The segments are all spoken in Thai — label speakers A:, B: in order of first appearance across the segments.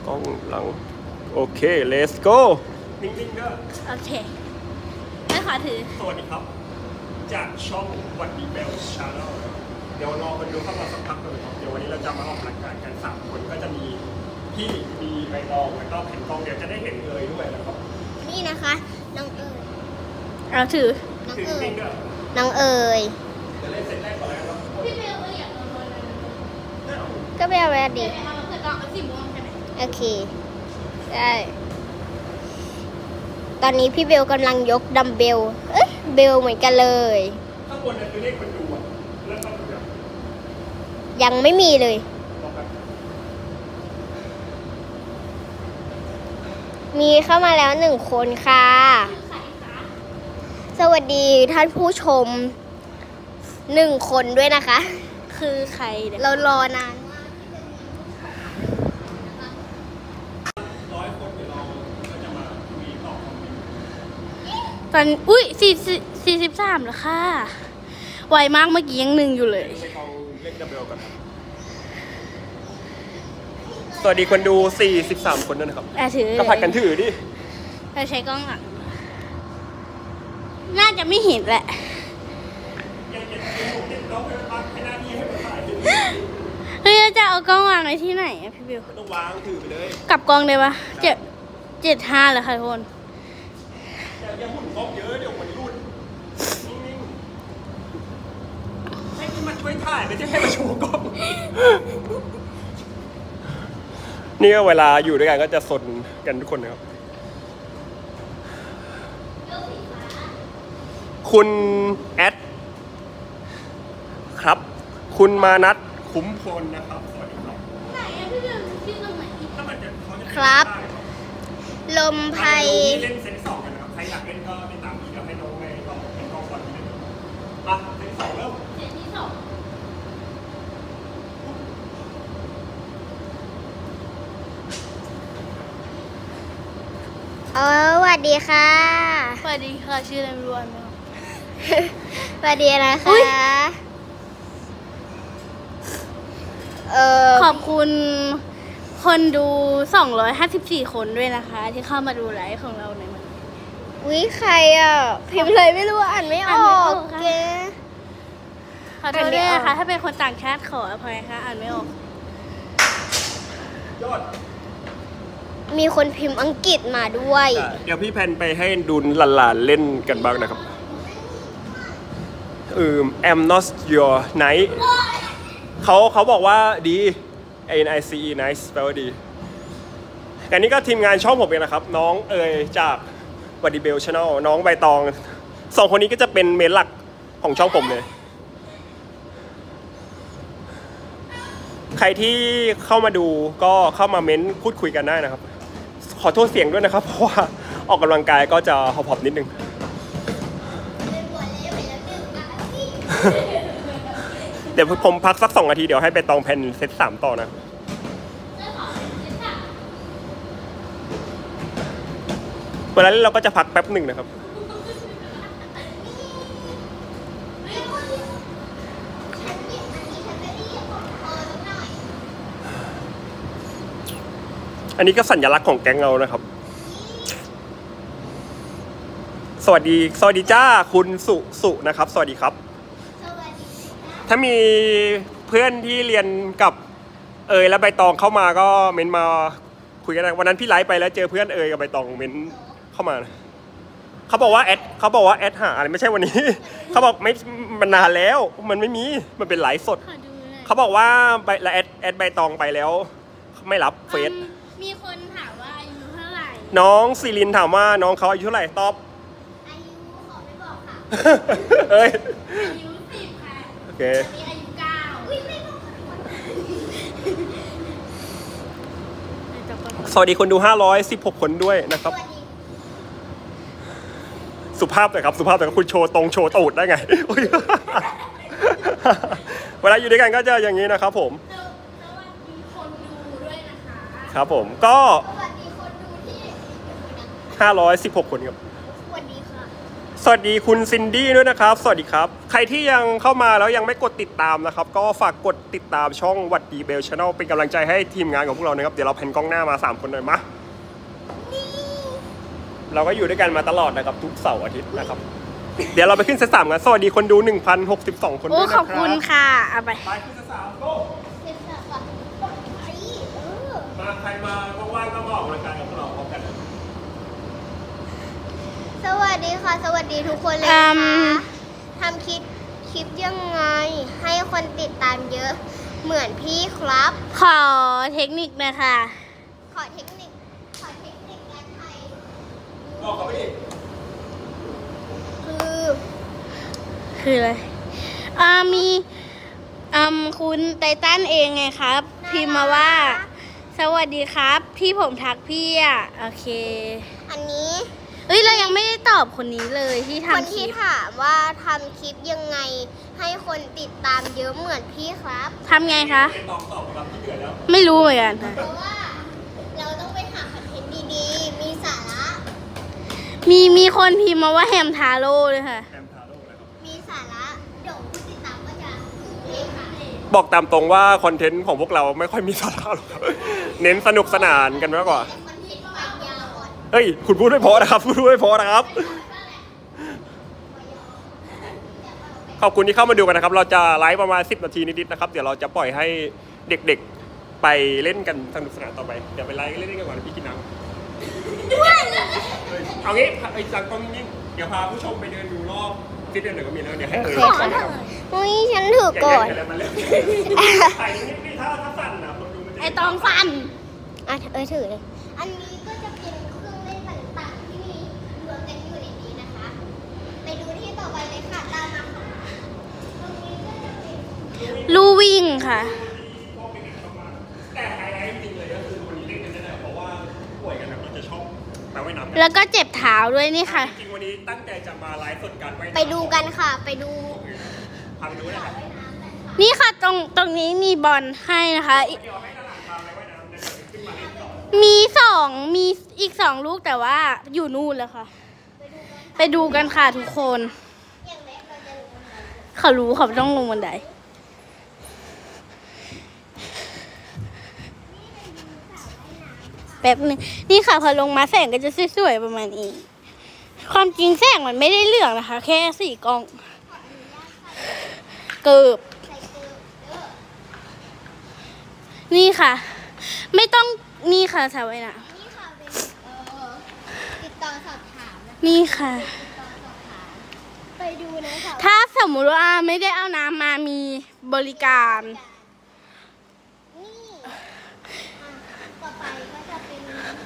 A: ล้องหลังโอเค let's go นิ่งๆเด้อ
B: โอเคไม่ขอถือ
A: สวัสดีครับจากช่องวันดีเบลชาแนลเดี๋ยวรอคนดูเข้ามาสักพักเลยครับเดี๋ยววันนี้เราจะมาออกรายการกัน3คนก็จะมีพี่มีใบตองแล้วก็แผ่นกองเดี๋ยวจะได้เห็นเลยด้วยนะครับ
C: นี่นะคะน้องเอ๋ย
B: เอาถือ
C: น้องเอ๋ยน้องเอ๋ย
A: จะเล่นเซตแรกก่อนแล้วครับ
C: พี่เบลอยากโดนก็ไปเอาแวดดิโอเคได้ตอนนี้พี่เบลกำลังยกดัมเบลเบลเหมือนกันเลย
A: ข้างบนนั้นคือเลขคนดูอ่ะเริ่มเข้าดู
C: ยังไม่มีเลยมีเข้ามาแล้ว1 คนค่ะสวัสดีท่านผู้ชม1 คนด้วยนะคะ
B: คือใคร
C: เรารอนาน
B: ตอนอุ้ย43แล้วค่ะไวมากเมื่อกี้ยัง1อยู่เลย
A: สวัสดีคนดู43คนด้วยนะครับก็ผัดกันถือดิ
B: เราใช้กล้องหลังน่าจะไม่เห็นแหละเฮ้ยจะเอากล้องวางไว้ที่ไหนอะพี่บิว
A: ต้องวางถือไปเลย
B: กลับกล้องได้ปะ75เลยค่ะทุกคน
A: อย่าหุ่นกล้องเยอะเดี๋ยวมันรุ่นนิ่งๆให้มันช่วยถ่ายไม่ใช่ให้มาโชว์กล้องนี่ก็เวลาอยู่ด้วยกันก็จะสนกันทุกคนนะครับคุณแอดครับคุณมานัทคุ้มพลนะครับสวัสดีครับ
B: ไหนอะพี่เบลชื่อตรงไหน
C: ครับลมไพ
A: เล่นเซต2กันนะครับใครอยากเล่นก็ติดตามนี้เดี๋ยวให้น้องไปลองเป็นกองก่อนนิดนึงมาเซต2เริ่ม
B: เซตที่2
C: สวัสดีค่ะ
B: สวัสดีค่ะชื่ออะไรไม่รู้ไหม
C: สวัสดีนะคะ
B: ขอบคุณคนดู254คนด้วยนะคะที่เข้ามาดูไลฟ์ของเราในวันนี้
C: วิใครอ่ะพิมพ์เลยไม่รู้อ่านไม่ออกแก
B: ขอโทษด้วยนะคะถ้าเป็นคนต่างชาติขออภัยค่ะอ่านไม่ออก
A: ยอด
C: มีคนพิมพ์อังกฤษมาด้วย
A: เดี๋ยวพี่แพนไปให้ดูหลานๆเล่นกันบ้างนะครับI'm not your night เขาบอกว่าดี NICE nice แปลว่าดีแต่นี่ก็ทีมงานช่องผมเองนะครับน้องเอ๋ยจากวัดดีเบลชาแนลน้องใบตอง2 คนนี้ก็จะเป็นเมนหลักของช่องผมเลยใครที่เข้ามาดูก็เข้ามาเม้นพูดคุยกันได้นะครับขอโทษเสียงด้วยนะครับเพราะว่าออกกำลังกายก็จะหอบๆนิดนึงเดี๋ยวผมพักสัก2 นาทีเดี๋ยวให้ไปตองแผ่นเซต3ต่อนะเวลาเล่นเราก็จะพักแป๊บหนึ่งนะครับอันนี้ก็สัญลักษณ์ของแก๊งเรานะครับสวัสดีจ้าคุณสุนะครับสวัสดีครับถ้ามีเพื่อนที่เรียนกับและใบตองเข้ามาก็เม้นมาคุยกันวันนั้นพี่ไลฟ์ไปแล้วเจอเพื่อนกับใบตองเม้นเข้ามาเขาบอกว่าแอดหาอะไรไม่ใช่วันนี้เขาบอกไม่มันนานแล้วมันไม่มีมันเป็นไลฟ์สดเขาบอกว่าแอดใบตองไปแล้วไม่รับเฟซ
B: มีคนถามว่าอายุเท่าไหร่
A: น้องศิรินถามว่าน้องเขาอายุเท่าไหร่ตอบ
C: อายุขอไม่บอกค่ะ
B: อายุ10ค่ะ
A: โอเค
B: มีอายุ9
A: สวัสดีคนดู516 คนด้วยนะครับสุภาพหน่อยครับสุภาพหน่อยครับคุณโชว์ตรงโชว์ตูดได้ไงเวลาอยู่ด้วยกันก็จะอย่างนี้นะครับผมครับผมก็516 คนครับ
C: สวัสดีค่ะ
A: สวัสดีคุณซินดี้ด้วยนะครับสวัสดีครับใครที่ยังเข้ามาแล้วยังไม่กดติดตามนะครับก็ฝากกดติดตามช่องวัดดีเบลชาแนลเป็นกำลังใจให้ทีมงานของพวกเรานะครับเดี๋ยวเราแพนกล้องหน้ามา3คนหน่อยมะเราก็อยู่ด้วยกันมาตลอดนะครับทุกเสาร์อาทิตย์นะครับเดี๋ยวเราไปขึ้นเซต3กันสวัสดีคนดู 1,062 คนด้วยนะครับ
B: ขอบคุณค่ะเอาไป
A: ไปขึ้นเซต3โก้มาใครมาว่างๆก็มาออกกำลังกายกับพวกเราพร้อมกัน
C: สวัสดีค่ะสวัสดีทุกคนเลยนะคะทำคลิปยังไงให้คนติดตามเยอะเหมือนพี่ครับ
B: ขอเทคนิคนะคะ
C: ขอเทคนิคการไทย
A: บอกเขาไปดิ
B: คืออะไรมีคุณไททันเองไงครับ พิมพ์มาว่าสวัสดีครับที่ผมทักพี่อ่ะโอเค
C: อันนี้
B: เอ้ยเรายังไม่ได้ตอบคนนี้เลยที่
C: คน
B: ทำคลิ
C: ที่
B: ป
C: ถามว่าทำคลิปยังไงให้คนติดตามเยอะเหมือนพี่ครับ
B: ทำไงคะ
A: ไม่ตอบครับที่เดือดแล้ว
B: ไม่รู้เหมือนกันค่ะ
C: เพราะว่าเราต้องไปหาคอนเทนต์ดีๆมีสาระ
B: มีคนพิมพ์มาว่าแฮมทาโร่เลยค่ะ
A: แอมทาโร่นะครับ
C: มีสาระเดี๋ยวผู้ติดตามก็จะเองค่ะ
A: บอกตามตรงว่าคอนเทนต์ของพวกเราไม่ค่อยมีสาระหรอกครับ เน้นสนุกสนานกันมากกว่า
C: คอนเทนต์ไปยาวก่อน
A: เฮ้ย คุณพูดไม่พอนะครับพูดไม่พอนะครับ ขอบคุณที่เข้ามาดูกันนะครับ เราจะไลฟ์ประมาณ10 นาทีนิดๆนะครับ เดี๋ยวเราจะปล่อยให้เด็กๆไปเล่นกันสนุกสนานต่อไป เดี๋ยวไปไลฟ์เล่นกันก่อนพี่กินน้ำเอางี้ไอ้จังกล้องนิ่งๆเดี๋ยวพาผู้ชมไปเดินดูรอบที่เดินหน่อยก็มีแล้วเดี๋ยวให้เอ่ย
C: ขอเถอะอุ้ยฉันถือก่อน
A: อย่าแย่งกันเลยมาเร็วถ่ายนิดๆถ้าสั่นนะคนดูมันจะ
B: ไอตองฟัน
C: อ่ะถือเลย อันนี้ก็จะเป็นเครื่องเล่นต่างๆที่มีรวมกันอยู่ในนี้นะคะ ไปดูที่ต่อไปเลยค่ะตามมาค่ะตรงนี้ก็จะเป็น
B: ลู่วิ่งค่ะ
A: แต่ไฮไลท์จริงๆเลยก็คือวันนี้เล่นกันได้เพราะว่าป่วยกันนะก็จะชอบมาว่ายน้ำกัน
B: แล้วก็เจ็บเท้าด้วยนี่ค่ะ
A: จริงๆวันนี้ตั้งใจจะมาไลฟ์สดการว่ายน้ำ
C: ไปดูกันค่ะ ไปดู
A: พาไปดูนะครับ
B: นี่ค่ะตรงนี้มีบอลให้นะคะ
A: เดี๋ยวให้ตลาดพาไปว่ายน้ำนะเดี๋ยวขึ้นมาเล่นต่อ
B: มีอีก2 ลูกแต่ว่าอยู่นู่นแล้วค่ะ ไปดูกันค่ะทุกคน
C: อย่างแรกเราจะลงบันได
B: เขารู้เขาต้องลงบันไดแป๊บนึงนี่ค่ะพอลงมาแสงก็จะสวยๆประมาณนี้ ความจริงแสงมันไม่ได้เหลืองนะคะ แค่4 กล้องเกือบ
C: ใส่เกลือเด้อ
B: นี่ค่ะ ไม่ต้องนี่ค่ะสาวไว้นะ
C: นี่ค่ะเป็นติดต่อสอบถามนะคะ
B: นี่ค่ะ
C: ติดต่อสอบถามไปดูนะคะ
B: ถ้าสมมุติว่าไม่ได้เอาน้ำมามีบริการ
C: นี่ต่อไปก็จะเป็น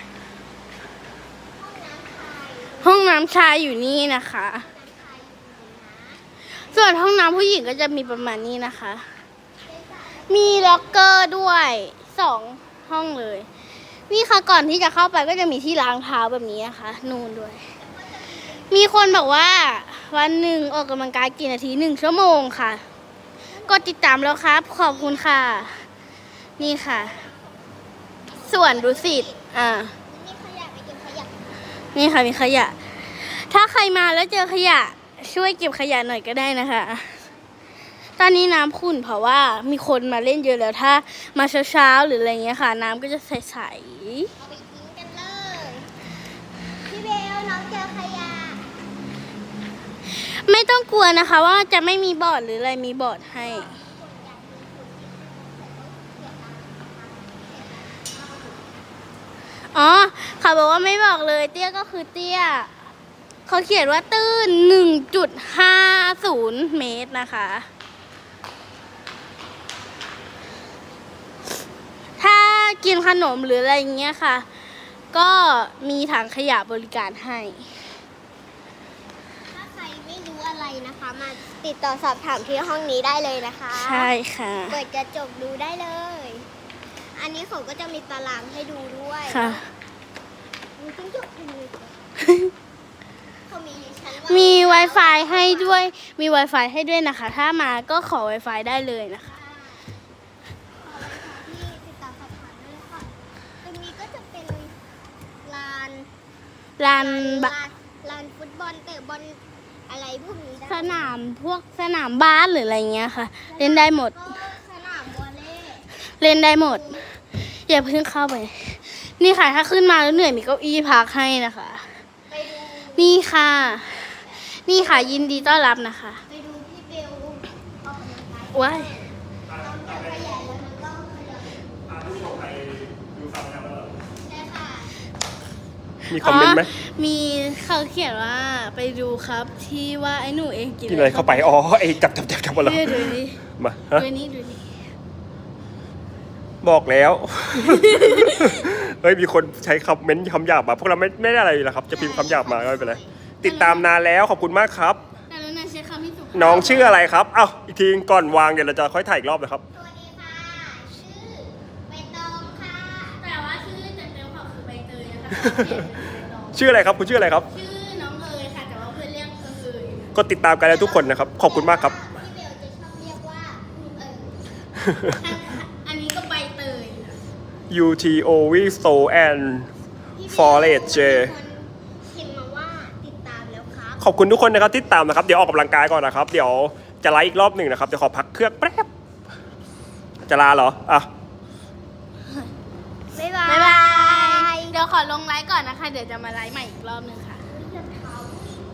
C: ห้องน้ำชาย
B: ห้องน้ำชายอยู่นี่นะคะ
C: น้ำชายอยู่ตรงนี้นะ
B: ส่วนห้องน้ำผู้หญิงก็จะมีประมาณนี้นะคะ มีล็อกเกอร์ด้วย2 ห้องเลย นี่ค่ะก่อนที่จะเข้าไปก็จะมีที่ล้างเท้าแบบนี้นะคะนูนด้วย มีคนบอกว่าวันหนึ่งออกกำลังกายกี่นาที1 ชั่วโมงค่ะ กดติดตามแล้วครับ ขอบคุณค่ะ นี่ค่ะ ส่วนดุสิต
C: นี่ขยะไปเก็บขยะ
B: นี่ค่ะมีขยะ ถ้าใครมาแล้วเจอขยะช่วยเก็บขยะหน่อยก็ได้นะคะ ตอนนี้น้ำขุ่นเพราะว่ามีคนมาเล่นเยอะแล้วถ้ามาเช้าๆหรืออะไรเงี้ยค่ะ น้ำก็จะใส
C: เอาไปทิ้งกันเลย พี่เบลน้องเจอขยะ
B: ๆไม่ต้องกลัวนะคะว่าจะไม่มีบอร์ดหรืออะไรมีบอร์ดให้ อ๋อเขาบอกว่าไม่บอกเลยเตี้ยก็คือเตี้ยเขาเขียนว่าตื้น 1.50 เมตรนะคะ ถ้ากินขนมหรืออะไรอย่างเงี้ยค่ะ ก็มีถังขยะบริการให้
C: ถ้าใครไม่รู้อะไรนะคะ มาติดต่อสอบถามที่ห้องนี้ได้เลยนะคะ
B: ใช่ค่ะ
C: เปิดจะจบดูได้เลย อันนี้เขาก็จะมีตารางให้ดูด้วย
B: ค่ะ
C: ดูจิ้งจกเลยเขามีชั้นว่า
B: มี Wi-Fi ให้ด้วย มี Wi-Fi ให้ด้วยนะคะ ถ้ามาก็ขอ Wi-Fi ได้เลยนะคะ
C: ที่ติดต่อสอบถามได้เลยค่ะ ตรงนี้ก็จะเป็นลาน
B: ลานบะ
C: ลานฟุตบอลเตะบอลอะไรพวกนี้ได้
B: สนามพวกสนามบ้านหรืออะไรเงี้ยค่ะ เล่นได้หมด
C: ก็สนามวอลเลย์
B: เล่นได้หมด อย่าเพิ่งเข้าไป นี่ค่ะถ้าขึ้นมาแล้วเหนื่อยมีเก้าอี้พักให้นะคะ
C: ไปดู
B: นี่ค่ะ นี่ค่ะยินดีต้อนรับนะคะ
C: ไปดูพี่เบลออกกำลังกาย
B: ว้าย
C: ต้องจักรยานแล้วมันก็ขยับได้ค่ะ
A: มีคอมเมนต์ไหม
B: มีเขาเขียนว่าไปดูครับที่ว่าไอ้หนูเองกิน
A: กินอะไรเข้าไปอ๋อไอ้จับหมดแล้ว
B: ดูนี่
A: มาฮะ
B: ดูนี่ดูนี่
A: บอกแล้ว เฮ้ยมีคนใช้คำเม้นต์คำหยาบมาพวกเราไม่ได้อะไรอยู่แล้วครับ จะพิมพ์คำหยาบมาก็ไม่เป็นไรติดตามนานแล้วขอบคุณมากครับ
B: แต่แล้วนายใช้คำที่สุภาพ
A: น้องชื่ออะไรครับเอ้าอีกทีก่อนวางเดี๋ยวเราจะค่อยถ่ายอีกรอบนะครับ
C: สวัสดีค่ะ ชื่อใบตองค่ะ
B: แต่ว่าชื่อเต็มๆเขาคือใบเตยนะคะ
A: ชื่ออะไรครับคุณชื่ออะไรครับ
B: ชื่อน้องเอ๋ยค่ะแต่ว่าเพื่อนเรียกเอ๋ย
A: ก็ติดตามกันแล้วทุกคนนะครับขอบคุณมากครับ
C: พี่เบลจะชอบเรียกว่า
B: อันนี้ก็ใบเตยนะ
A: UTO w i s o and
C: พี่เบล
A: Forest J
C: พิมพ์มาว่าติดตามแล้วครับ
A: ขอบคุณทุกคนนะครับที่ตามนะครับเดี๋ยวออกกำลังกายก่อนนะครับ เดี๋ยวจะไลฟ์อีกรอบหนึ่งนะครับเดี๋ยวขอพักเครื่องแป๊บจะลาเหรออ่ะ
C: บ๊ายบา
B: บ๊ายบาย
C: ย
B: เดี๋ยวขอลงไลฟ์ก่อนนะคะ เดี๋ยวจะมาไลฟ์ใหม่อีกรอบนึงค่ะ
C: รองเท้า